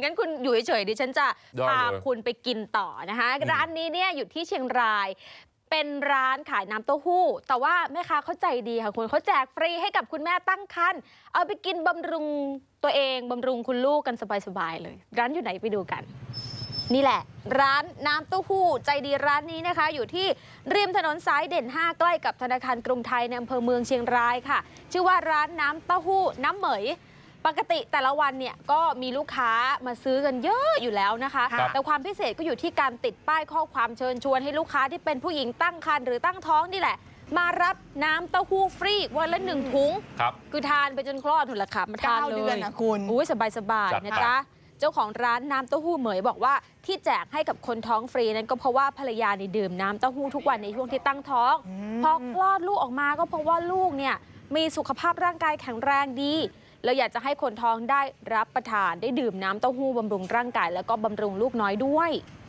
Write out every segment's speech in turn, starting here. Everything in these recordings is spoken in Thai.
งั้นคุณอยู่เฉยๆดิฉันจะพาคุณไปกินต่อนะคะร้านนี้เนี่ยอยู่ที่เชียงรายเป็นร้านขายน้ำเต้าหู้แต่ว่าแม่ค้าเขาใจดีค่ะคุณเขาแจกฟรีให้กับคุณแม่ตั้งครรภ์เอาไปกินบำรุงตัวเองบำรุงคุณลูกกันสบายๆเลยร้านอยู่ไหนไปดูกันนี่แหละร้านน้ำเต้าหู้ใจดีร้านนี้นะคะอยู่ที่ริมถนนสายเด่น5ใกล้กับธนาคารกรุงไทยในอำเภอเมืองเชียงรายค่ะชื่อว่าร้านน้ำเต้าหู้น้ำเหมยปกติแต่ละวันเนี่ยก็มีลูกค้ามาซื้อกันเยอะอยู่แล้วนะคะแต่ความพิเศษก็อยู่ที่การติดป้ายข้อความเชิญชวนให้ลูกค้าที่เป็นผู้หญิงตั้งครรภ์หรือตั้งท้องนี่แหละมารับน้ำเต้าหู้ฟรีวันละ1 ถุงคือทานไปจนคลอดถุงละค่ะมาทานเลย9 เดือนนะคุณอุ้ยสบายๆนะจ๊ะเจ้าของร้านน้ำเต้าหู้เหมยบอกว่าที่แจกให้กับคนท้องฟรีนั้นก็เพราะว่าภรรยานี่ดื่มน้ำเต้าหู้ทุกวันในช่วงที่ตั้งท้องพอคลอดลูกออกมาก็เพราะว่าลูกเนี่ยมีสุขภาพร่างกายแข็งแรงดีแล้วอยากจะให้คนท้องได้รับประทานได้ดื่มน้ำเต้าหู้บำรุงร่างกายแล้วก็บำรุงลูกน้อยด้วย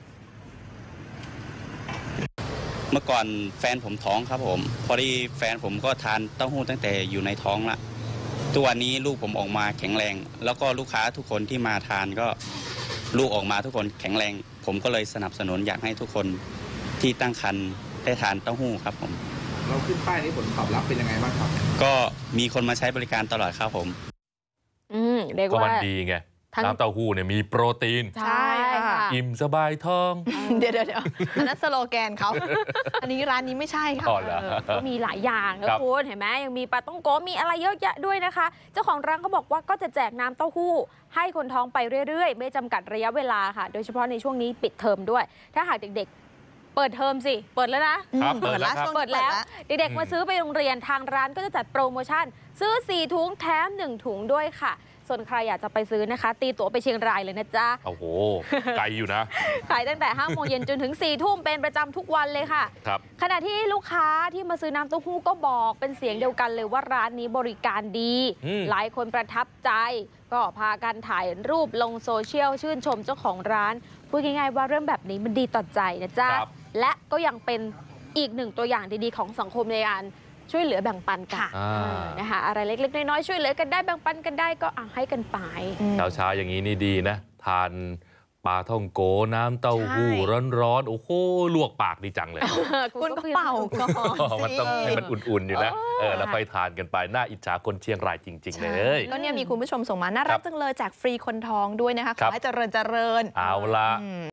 เมื่อก่อนแฟนผมท้องครับผมพอดีแฟนผมก็ทานเต้าหู้ตั้งแต่อยู่ในท้องละทุกวันนี้ลูกผมออกมาแข็งแรงแล้วก็ลูกค้าทุกคนที่มาทานก็ลูกออกมาทุกคนแข็งแรงผมก็เลยสนับสนุนอยากให้ทุกคนที่ตั้งครรภ์ได้ทานเต้าหู้ครับผมเราขึ้นป้ายนี้ผลตอบรับเป็นยังไงบ้างครับก็มีคนมาใช้บริการตลอดครับผมเรียกว่ามันดีไงน้ำเต้าหู้เนี่ยมีโปรตีนใช่ค่ะอิ่มสบายท้องเดี๋ยวอันนั้นสโลแกนเขาอันนี้ร้านนี้ไม่ใช่ค่ะก็มีหลายอย่างนะคุณเห็นไหมยังมีปลาต้องโกมีอะไรเยอะแยะด้วยนะคะเจ้าของร้านเขาบอกว่าก็จะแจกน้ำเต้าหู้ให้คนท้องไปเรื่อยๆไม่จำกัดระยะเวลาค่ะโดยเฉพาะในช่วงนี้ปิดเทอมด้วยถ้าหากเด็กๆเปิดเทอมสิเปิดแล้วนะเปิดแล้วเด็กๆมาซื้อไปโรงเรียนทางร้านก็จะจัดโปรโมชั่นซื้อ4 ถุงแถม1 ถุงด้วยค่ะส่วนใครอยากจะไปซื้อนะคะตีตั๋วไปเชียงรายเลยนะจ๊ะโอ้โหไกลอยู่นะขายตั้งแต่5 โมงเย็นจนถึง4 ทุ่มเป็นประจำทุกวันเลยค่ะครับขณะที่ลูกค้าที่มาซื้อน้ำเต้าหู้ก็บอกเป็นเสียงเดียวกันเลยว่าร้านนี้บริการดีหลายคนประทับใจก็พากันถ่ายรูปลงโซเชียลชื่นชมเจ้าของร้านพูดง่ายๆว่าเรื่องแบบนี้มันดีต่อใจนะจ๊ะและก็ยังเป็นอีกหนึ่งตัวอย่างดีๆของสังคมในการช่วยเหลือแบ่งปันกันนะคะอะไรเล็กๆน้อยๆช่วยเหลือกันได้แบ่งปันกันได้ก็ให้กันไปเช้าอย่างนี้นี่ดีนะทานปลาท่องโกน้ำเต้าหู้ร้อนๆโอ้โหลวกปากดีจังเลยคุณก็เป่าก่อนมันต้องให้มันอุ่นๆอยู่นะแล้วไปทานกันไปน่าอิจฉาคนเชียงรายจริงๆเลยก็เนี่ยมีคุณผู้ชมส่งมาน่ารักจังเลยแจกฟรีคนท้องด้วยนะคะขอให้เจริญเอาละ